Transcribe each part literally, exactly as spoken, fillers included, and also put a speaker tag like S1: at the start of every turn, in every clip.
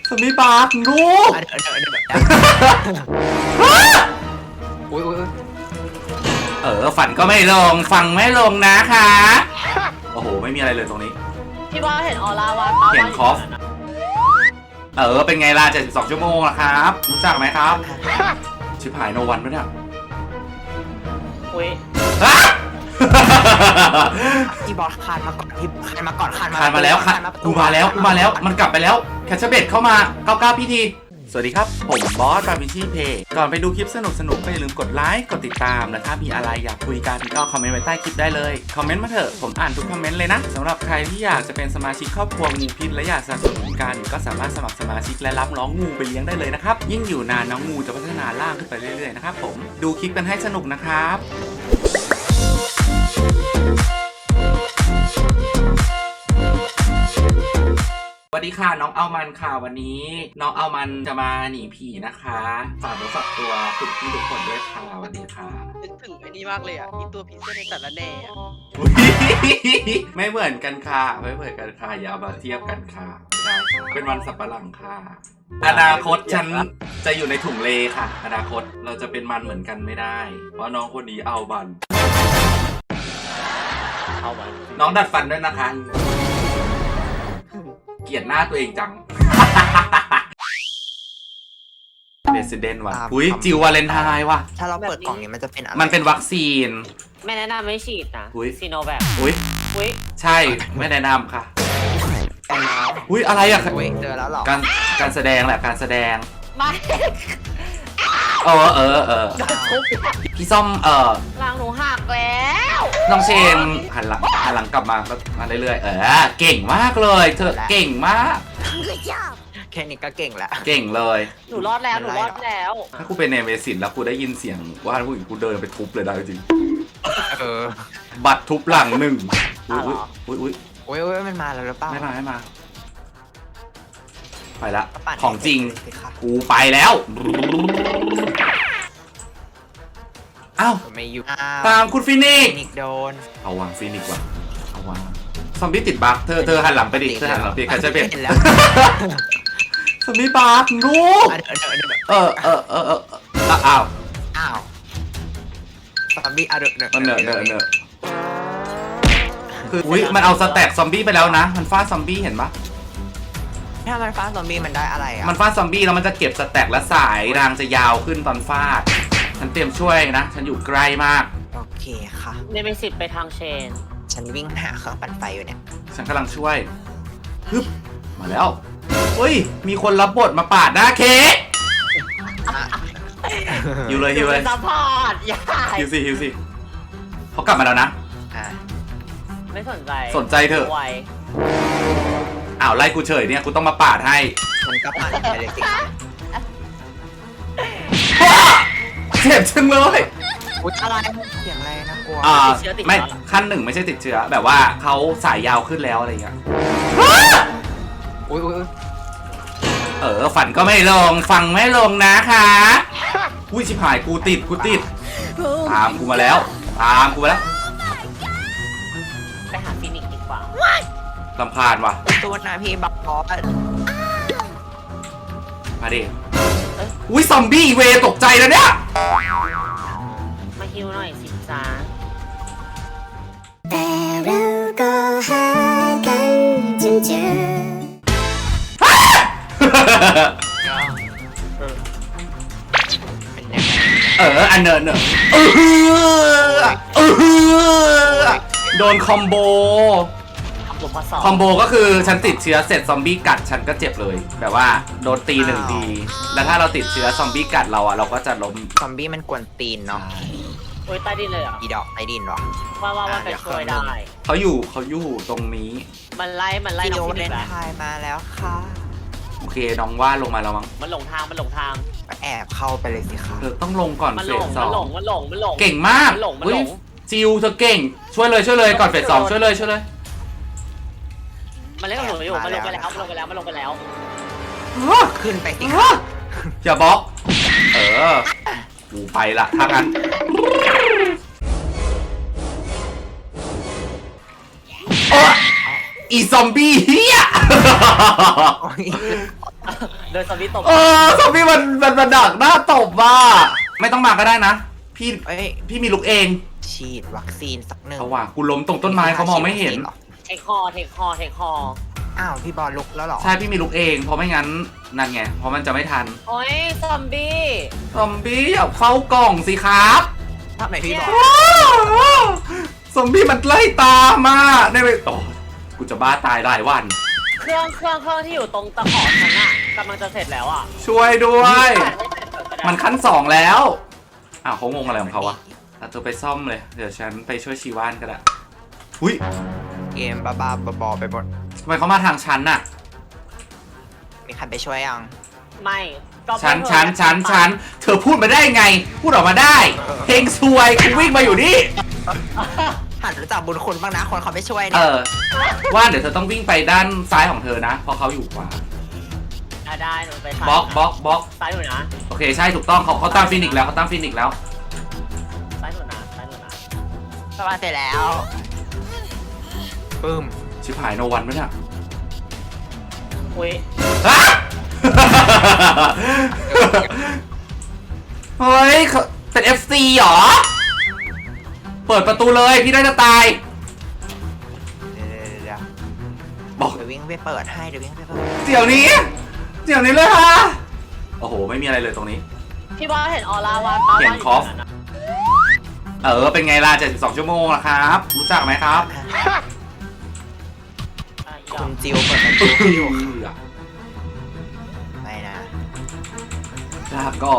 S1: สมีปากลูก
S2: เดี๋ยวเดี๋ยวเดี๋ยวอุ้ยอุ้ย
S1: เออฝันก็ไม่ลงฟังไม่ลงนะคะโอ้โหไม่มีอะไรเลยตรงนี้
S3: พี่ว่าเห็นออร่าวาป้า
S1: เห็นคอฟเออเป็นไงล่ะเจ็ดสิบสองชั่วโมงนะครับรู้จักไหมครับชิบหายโนวันด้วยเนี่ย
S3: อุ้ย
S2: ที่บอสคานมาก่อนที่คานมาก่อนคานมา
S1: คานมาแล้วค่ะกูมาแล้วกูมาแล้วมันกลับไปแล้วแคชเชอร์เบดเข้ามาเก้าเก้าพิธีสวัสดีครับผมบอสบาบิชี่เพย์ก่อนไปดูคลิปสนุกสนุกก็อย่าลืมกดไลค์กดติดตามและถ้ามีอะไรอยากคุยกันก็คอมเมนต์ไว้ใต้คลิปได้เลยคอมเมนต์มาเถอะผมอ่านทุกคอมเมนต์เลยนะสำหรับใครที่อยากจะเป็นสมาชิกครอบครัวงูพิษและอยากสนับสนุนกันก็สามารถสมัครสมาชิกและรับน้องงูไปเลี้ยงได้เลยนะครับยิ่งอยู่นานน้องงูจะพัฒนาล่างขึ้นไปเรื่อยๆนะครับผมดูคลิปกันให้สนุกนะครับสวัสดีค่ะน้องเอามันค่ะวันนี้น้องเอามันจะมาหนีผีนะคะฝากตัวฝากตัวทุกที่ทุกคนด้วยค่ะสวัสดีค่ะ
S3: นึกถึงไอ้นี่มากเลยอ่ะอีตัวผีเสื้อในสารแหน่
S1: ไม่เหมือนกันค่ะไม่เหมือนกันค่ะอย่ามาเทียบกันค่ะได้เป็นวันสับปะหลังค่ะอนาคตฉันจะอยู่ในถุงเลค่ะอนาคตเราจะเป็นมันเหมือนกันไม่ได้เพราะน้องคนนี้เอาบัน
S3: เอาบัน
S1: น้องดัดฟันด้วยนะคะเกลียดหน้าตัวเองจังเรสซิเดนต์ว่ะอุ้ยจิววาเลนไทน์ว่ะ
S2: ถ้าเราเปิดกล่องนี้มันจะเป็นอะไร
S1: มันเป็นวัคซีน
S3: ไม่แนะนำไม่ฉีดนะซีโนแวค
S1: อุ้ย
S3: อุ้ย
S1: ใช่ไม่แนะนำค่ะอุ้ยอะไรอะ
S2: เจอแล้วหรอ
S1: การการแสดงแหละการแสดง
S3: ไม่
S1: เออเออเออพี่ส้มเออ
S3: หลังหนูหักแล้ว
S1: น้องเชนหันหลังหันหลังกลับมาก็มาเรื่อยๆเออเก่งมากเลยเธอเก่งมาก
S2: แค่นี้ก็เก่งแล้ว
S1: เก่งเลย
S3: หนูรอดแล้วหนูรอดแล้ว
S1: ถ้ากูเป็นเนเมซินแล้วกูได้ยินเสียงว่าผู้หญิงกูเดินไปทุบเลยได้จริง
S2: เออ
S1: บัตรทุบหลังหนึ่งอุ้ยอุ้ยอุ้ย
S2: อุ้ยอุ้ยมันมาแล้วหรือเปล่า
S1: ไม่มาไม่มาไปละของจริงกูไปแล้วอ้าว
S2: ไม่อยู่
S1: ตามคุณฟินิก
S2: นิกโดน
S1: เอาวางฟินิกว่ะเอาวางซอมบี้ติดบั๊กเธอเธอหันหลังไปดิเธอหันหลังไปใครจะเป็นซอมบี้บั๊กลูกเออเออเออเอออ้าว
S2: อ้าวซอมบี้อ่ะเดอะเดอะ
S1: เนอะเนอะเนอะคืออุ้ยมันเอาสแต็กซอมบี้ไปแล้วนะมันฟาดซอมบี้เห็นปะ
S2: ถ้ามันฟาดซอมบี้มันได้อะไรอ่ะ
S1: มันฟาดซอมบี้แล้วมันจะเก็บสแต็กและสายรางจะยาวขึ้นตอนฟาดฉันเตรียมช่วยนะฉันอยู่ใกล้มาก
S2: โอเคค่ะ
S3: เนเมซิสไปทางเชน
S2: ฉันวิ่งหาเครื่องปั่นไฟอยู่เนี่ย
S1: ฉันกำลังช่วยฮึบมาแล้วเฮ้ยมีคนรับบทมาปาดหน้าเค้กอยู่เลยอยู่เลย
S3: ซัพพอร์ตอย่า
S1: ฮิวสิฮิวสิเขากลับมาแล้วนะ
S3: ไม่สนใจ
S1: สนใจเถอะอ้าวไล่กูเฉยเนี่ยกูต้องมาปาดให้
S2: มันก็ปาดไปเลยสิ
S1: เจ็บจังเลย
S2: อะไรเสียงอะไรนะกลัว
S1: อ่าไม่ขั้นหนึ่งไม่ใช่ติดเชื้อแบบว่าเขาสายยาวขึ้นแล้วอะไรอย่างเงี้ย
S2: อุ้ยอุ้ย
S1: เออฝันก็ไม่ลงฟังไม่ลงนะคะอุ้ยชิบหายกูติดกูติดตามกูมาแล้วตามกูมาแล้ว
S3: ไปหาฟินิกดีกว่า
S1: ลำพานว่ะ
S2: ตัวนาพี่บักบอส
S1: มาดิอุ้ยซอมบี้เวตกใจแล้วเนี่ย
S3: มาฮิวหน่อยสิจ้า
S4: แต่เราก็หากันจนเจอ
S1: เอออันเนอเนอเออเออโดนคอมโบคอมโบก็คือฉันติดเชื้อเสร็จซอมบี้กัดฉันก็เจ็บเลยแบบว่าโดนตีหนึ่งทีแล้วถ้าเราติดเชื้อซอมบี้กัดเราอะเราก็จะล้ม
S2: ซอมบี้มันกวนตีนเนาะ
S3: โอ้ยใต้ดินเลยอ่ะ
S2: อีดอกใต้ดินหรอ
S3: ว่าว่าว่าไปช่วยได้
S1: เขาอยู่เขาอยู่ตรงนี้
S3: มันไล่มันไล่
S2: น้องฟินิกไทยมาแล้วค่ะ
S1: โอเคน้องว่าลงมาแล้วมั้ง
S3: มันหลงทางมันหลงทาง
S2: แอบเข้าไปเลยสิคะ
S1: เธอต้องลงก่อนเฟสสอง
S3: มันหลงมันหลงมันหลง
S1: เก่งมาก
S3: มันหลงมันหลง
S1: จิวเธอเก่งช่วยเลยช่วยเลยก่อนเฟสสองช่วยเลยช่วยเลย
S3: มันเล่นกับหนูอยู่มันลงไปแล้วมันลงไปแล้วมันลงไปแล้ว
S2: ขึ้นไปสิค่ะ
S1: อย่าบล็อกเออกูไปละถ้างั้นออีซอมบี้เฮีย
S3: โดยสวิตตบ
S1: เออซอมบี้มันมันมันดักหน้าตบว่ะไม่ต้องมาก็ได้นะพี่
S2: เอ้ย
S1: พี่มีลูกเอง
S2: ฉีดวัคซีนสักหนึ่ง
S1: เอาว่ะกูล้มตรงต้นไม้เขามองไม่เห็น
S3: เทคคอเทคคอเทคคอ
S2: อ้าวพี่บอลลุกแล้วเหรอ
S1: ใช่พี่มีลูกเองเพราะไม่งั้นนั่นไงเพราะมันจะไม่ทัน
S3: โอ้ยซอมบี้
S1: ซอมบี้อย่าเข้ากล่องสิครับ
S2: ทำไหนพี่บอล
S1: ซอมบี้มันไล่ตามมาได้ไหมโอ้กูจะบ้าตายหลายวัน
S3: เครื่องเครื่องเครื่องที่อยู่ตรงตะขอฉันอะกำลังจะเสร็จแล้วอะ
S1: ช่วยด้วย
S3: มั
S1: มัน นขั้นสองแล้วอ้าวเขางงอะไรของเขาวะเอาตัวไปซ่อมเลยเดี๋ยวฉันไปช่วยชีว่านก็ได้อุ้ย
S2: เกมบ้าๆบอๆไปหมด
S1: ทำไมเขามาทางฉันน่ะ
S2: มีใครไปช่วยยัง
S3: ไม่ก็
S1: ฉันฉันฉันฉันเธอพูดมาได้ไง พูดออกมาได้เพลงซวยกูวิ่งมาอยู่นี่
S2: หันรู้จักบุญคุณบ้างนะคนเขาไม่ช่วย
S1: เอ
S2: เนี่ย
S1: อว่าเดี๋ยวเธอต้องวิ่งไปด้านซ้ายของเธอนะเพราะเขาอยู่ขวา
S3: อ่ะได้หนูไป
S1: บล็อกบล็อกบล็อก
S3: ซ้ายหนูนะ
S1: โอเคใช่ถูกต้องเขาเขาตามฟินิกส์แล้วเขาตามฟินิกส์แล้ว
S3: ซ้ายหนูนะซ้ายหนูนะ
S2: สบายเสร็จแล้วปึ้ม
S1: ชิบหายโนวันไหมเนี่ย
S3: อุ้ย
S1: ฮะ เฮ้ยเขาเป็น เอฟ ซี เหรอ เปิดประตูเลยพี่ได้จะตาย
S2: เดี๋ยวเดี๋ยวเดี๋ยว
S1: บอก
S2: เดี๋ยววิ่งไปเปิดให้เดี๋ยววิ่งไปเปิด
S1: เดี๋ยวนี้ เดี๋ยวนี้เลยฮะ โอ้โห ไม่มีอะไรเลยตรงนี้
S3: พี่บอสเห็นออร่าวาดป้า
S1: เห็น
S3: ว่ายู่
S1: คอฟ
S3: ตรงนั้นนะ
S1: เออ เป็นไงล่ะเจ็ดสิบสองชั่วโมงละครับ รู้จักไหมครับ
S3: อ่ะอีด
S2: คุ
S3: อก
S2: ณจิวเปิดประตูให้อยู่ไปนะ
S1: ลาก่อน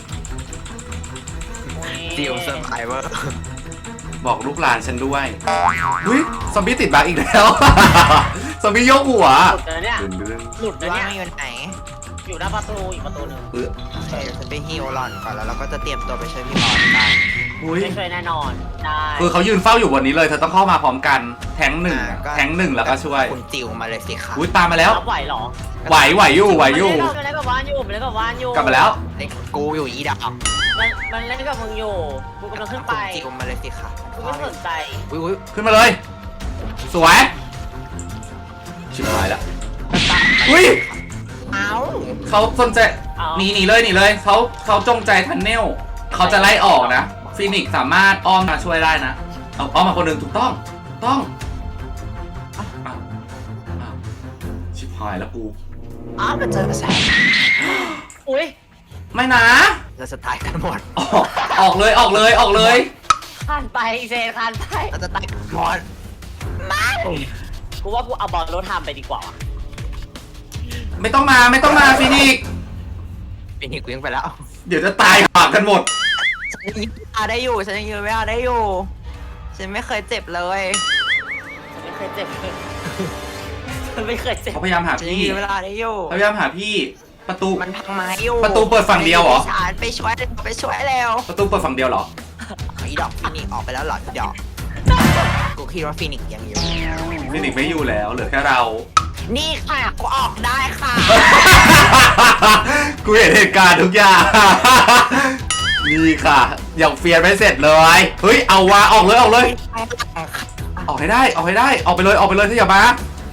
S2: จิวเซอร์ไพรเวอร์
S1: บอกลูกหลานฉันด้วยอุ้ยซอมบี้ติดบั๊กอีกแล้ว ซอมบี้ยกหัว
S3: หลุดเลยเนี่ย
S1: ดึงดึง
S3: หลุดเลย
S2: ว่า
S3: เนี่ย
S2: ไม่อยู่ไหน
S3: อยู่หน้าประตูอีกประตูหนึ่ง
S1: เออ
S2: โอเคเดี๋ยวฉันไปฮิวหล่อนก่อนแล้วเราก็จะเตรียมตัวไปช่วยพี่บอลกัน
S1: อุ้ย
S3: ไม่ช่วยแน่นอนได้
S1: คือเขายืนเฝ้าอยู่บนนี้เลย เธอต้องเข้ามาพร้อมกัน แทงหนึ่งอะแทงหนึ่งแล้วก็ช่วย
S2: คุณจิวมาเลยสิคะ
S1: อุ้ยตามมาแล้ว
S3: รับไหวเหรอ
S1: ไหวไหวอยู่ไหวอยู่
S3: มันเล่นกับว่านอยู่มันเล่นกับว่านอยู่
S1: กลับมาแล้ว
S2: ไอ้กูอยู่อีดอก
S3: มันมันเล่นกับมึงอยู่กูกำลังขึ้นไป
S2: คุณจิวมาเลยสิคะ
S3: กูไม่สนใจ
S2: อุ้ยอุ้ย
S1: ขึ้นมาเลย สวย ชิบหายแล้วอุ้ย
S2: เอ้า
S1: เขาสนใจหนีหนีเลยหนีเลยเขาเขาจงใจทันเนลเขาจะไล่ออกนะฟีนิกซ์สามารถอ้อมมาช่วยได้นะเอาอ้อมมาคนหนึ่งถูกต้องถูกต้องอ้าวอ้าวอ้าวชิบหายแล้วกู
S2: อ้าวมันเจอแสง
S3: อุ้ย
S1: ไม่นะ
S2: เราจะตายกันหมด
S1: ออกออกเลยออกเลยออกเลย
S3: คานไปเซนคานไป
S2: เราจะตายกันหมดไม่
S3: กูว่ากูเอาบอลรถทำไปดีกว่าว่ะ
S1: ไม่ต้องมาไม่ต้องมาฟีนิกซ์
S2: ปีนี้กูยังไปแล้ว
S1: เดี๋ยวจะตายหากันหมด
S2: ฉันยังยืนเวลาได้อยู่ฉันยังยืนเวลาได้อยู่ฉันไม่เคยเจ็บเลย
S3: ฉันไม่เคยเจ็บเลยฉันไม่เคยเจ็บ
S1: เขาพยายามหา
S2: ฉันยัง
S1: พี่
S2: ยืนเวลาได้อยู่
S1: เขาพยายามหาพี่ประตู
S2: มันพังไม้อยู่
S1: ประตูเปิดฝั่งเดียวเหรอ
S2: ฉันไปช่วยไปช่วยแล้ว
S1: ประตูเปิดฝั่งเดียวเหรอ
S2: อีดอกฟินิกซ์ออกไปแล้วเหรออีดอกกูคิดว่าฟินิกซ์ยังอยู่
S1: ฟีนิกซ์ไม่อยู่แล้วเหลือแค่เรา
S2: นี่ค่ะกูออกได้ค่ะ
S1: กูเห็นเหตุการณ์ทุกอย่าง นี่ค่ะยังเฟียนไม่เสร็จเลย เฮ้ยเอาวะออกเลยออกเลย ออกให้ได้ออกให้ได้ออกไปเลยออกไปเลยถ้าอย่ามา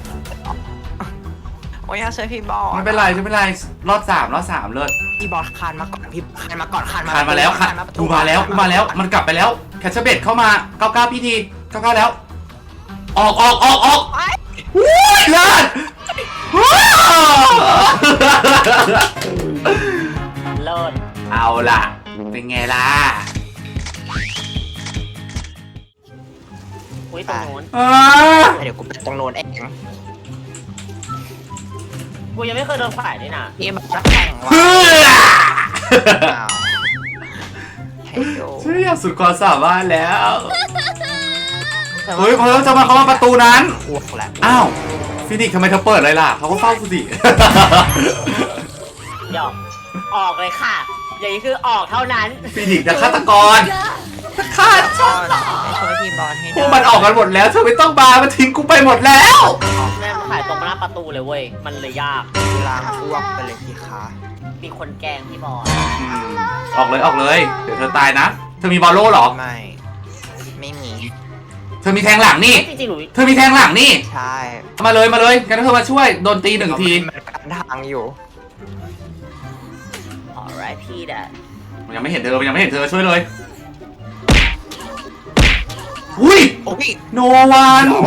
S2: โอ้ยอยากช่วยพี่บอล
S1: ไม่เป็นไรไม่เป็นไรรอดสามรอดสามเลย
S2: พี่บอลคานมาก่อนพี่คานมาก่อนคานมา
S1: คานมาแล้วค่ะ
S2: คานประ
S1: กูมาแล้วกูมาแล้วมันกลับไปแล้วแคชเชอร์เบดเข้ามาเก้าเก้าพี่ทีเก้าเก้าแล้ว ออกออกออกออก
S2: ไป
S1: วู้ยเลิศว้าว
S3: เลิศ
S1: เอาล่ะเป็นไงล่ะ
S3: อุ้ยตรงโน้น
S1: อ่า
S2: เดี๋ยวกูไปตรงโน้นเอง
S3: กูยังไม่เคยโดนฝ่ายนี่นะ
S2: พี่มันจะแข่งว่ะ
S1: เพื่อ
S2: อ้าวให้ดู
S1: ฉันอยากสุดความสามารถแล้วเฮ้ยเขาจะมาเขามาประตูนั้น
S2: อ้วกแล้ว
S1: อ้าวฟินิกซ์ทำไมเธอเปิดเลยล่ะเขาก็เฝ้ากูสิ
S3: หยอกออกเลยค่ะ อย่างนี้คือออกเท่านั้น
S1: ฟินิกซ์จะฆาตกรฆ่า
S2: บ
S1: ฉั
S2: อน ลไปช่วยพี่บอลให้
S1: พวกมันออกกันหมดแล้วเธอไม่ต้องมามันทิ้งกูไปหมดแล้ว
S3: แม่มาขายตรงหน้าประตูเลยเว้ย มันเลยยาก
S2: ล้างอ้วกไปเลยสิคะ
S3: มีคนแกล้งพี่บอล
S1: อืมออกเลยออกเลย เดี๋ยวเธอตายนะ เธอมีบอลโล่เหรอ
S2: ไม่ ไม่มี
S1: เธอมีแทงหลังนี่
S3: จริงๆหนู
S1: เธอมีแทงหลังนี่
S2: ใช่
S1: มาเลยมาเลยกันเธอมาช่วยโดนตีหนึ่งที
S2: มันกันทางอยู่
S3: alright พี่แดด
S1: มันยังไม่เห็นเธอมันยังไม่เห็นเธอช่วยเลยอุ้ย
S2: โอ้ย
S1: โนวัน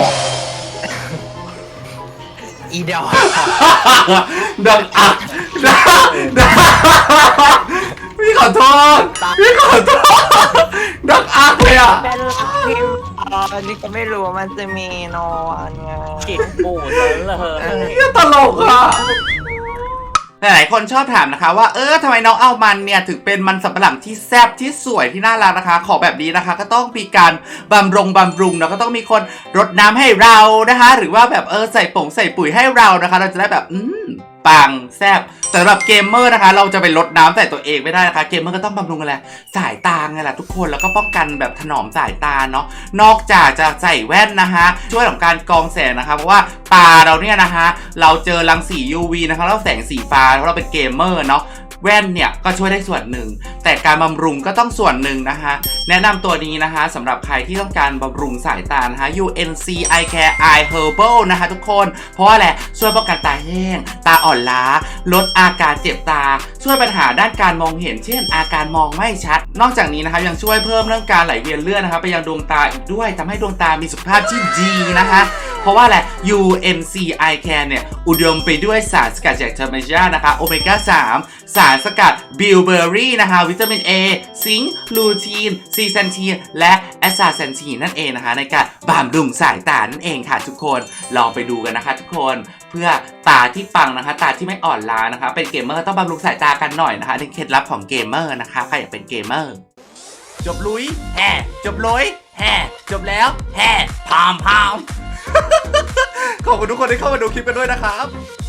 S2: อีดอก
S1: ดังอักดังดังพี่ขอโทษพี่ขอโทษดังอักเลยอ่ะ
S3: เป็นรักพี่
S2: อ๋อนี่ก็ไม่รู้ว่ามันจะมีโนวันไง
S3: กินปูซะเลย
S1: นี่ตลกอ่ะหลายๆคนชอบถามนะคะว่าเออทำไมน้องเอามันเนี่ยถึงเป็นมันสำปะหลังที่แซ่บที่สวยที่น่ารักนะคะ ขอแบบนี้นะคะ ก็ต้องมีการบำรุงบำรุงเนาะก็ต้องมีคนรดน้ำให้เรานะคะ หรือว่าแบบเออใส่ผงใส่ปุ๋ยให้เรานะคะ เราจะได้แบบอืมปังแซ่บแต่สำหรับเกมเมอร์นะคะ เราจะไปรดน้ำใส่ตัวเองไม่ได้นะคะเกมเมอร์ก็ต้องบำรุงอะไรสายตาไงล่ะทุกคนแล้วก็ป้องกันแบบถนอมสายตาเนาะนอกจากจะใส่แว่นนะคะช่วยของการกรองแสงนะคะเพราะว่าตาเราเนี่ยนะคะเราเจอรังสี ยู วี นะคะแล้วแสงสีฟ้าเพราะเราเป็นเกมเมอร์เนาะแว่นเนี่ยก็ช่วยได้ส่วนหนึ่งแต่การบำรุงก็ต้องส่วนหนึ่งนะคะแนะนำตัวนี้นะคะสำหรับใครที่ต้องการบำรุงสายตานะคะ ยู เอ็น ซี Eye Care Eye Herbal นะคะทุกคนเพราะว่าอะไรช่วยป้องกันตาแห้งตาอ่อนล้าลดอาการเจ็บตาช่วยปัญหาด้านการมองเห็นเช่นอาการมองไม่ชัดนอกจากนี้นะคะยังช่วยเพิ่มเรื่องการไหลเวียนเลือดนะคะไปยังดวงตาอีกด้วยทำให้ดวงตามีสุขภาพที่ดีนะคะเพราะว่าอะไร ยู เอ็น ซี Eye Care เนี่ยอุดมไปด้วยสารสกัดจากธรรมชาตินะคะโอเมก้า สาม สารสกัดบิลเบอร์รี่นะคะวิตามิน A ซิงค์ลูทีนซีแซนทีนและแอสซาเซนทีนนั่นเองนะคะในการบำรุงสายตานั่นเองค่ะทุกคนลองไปดูกันนะคะทุกคนเพื่อตาที่ปังนะคะตาที่ไม่อ่อนล้านะคะเป็นเกมเมอร์ต้องบำรุงสายตากันหน่อยนะคะนี่เคล็ดลับของเกมเมอร์นะคะใครอยากเป็นเกมเมอร์จบลุยแห่จบลุยแห่จบแล้วแห่พามพาม ขอบคุณทุกคนที่เข้ามาดูคลิปกันด้วยนะครับ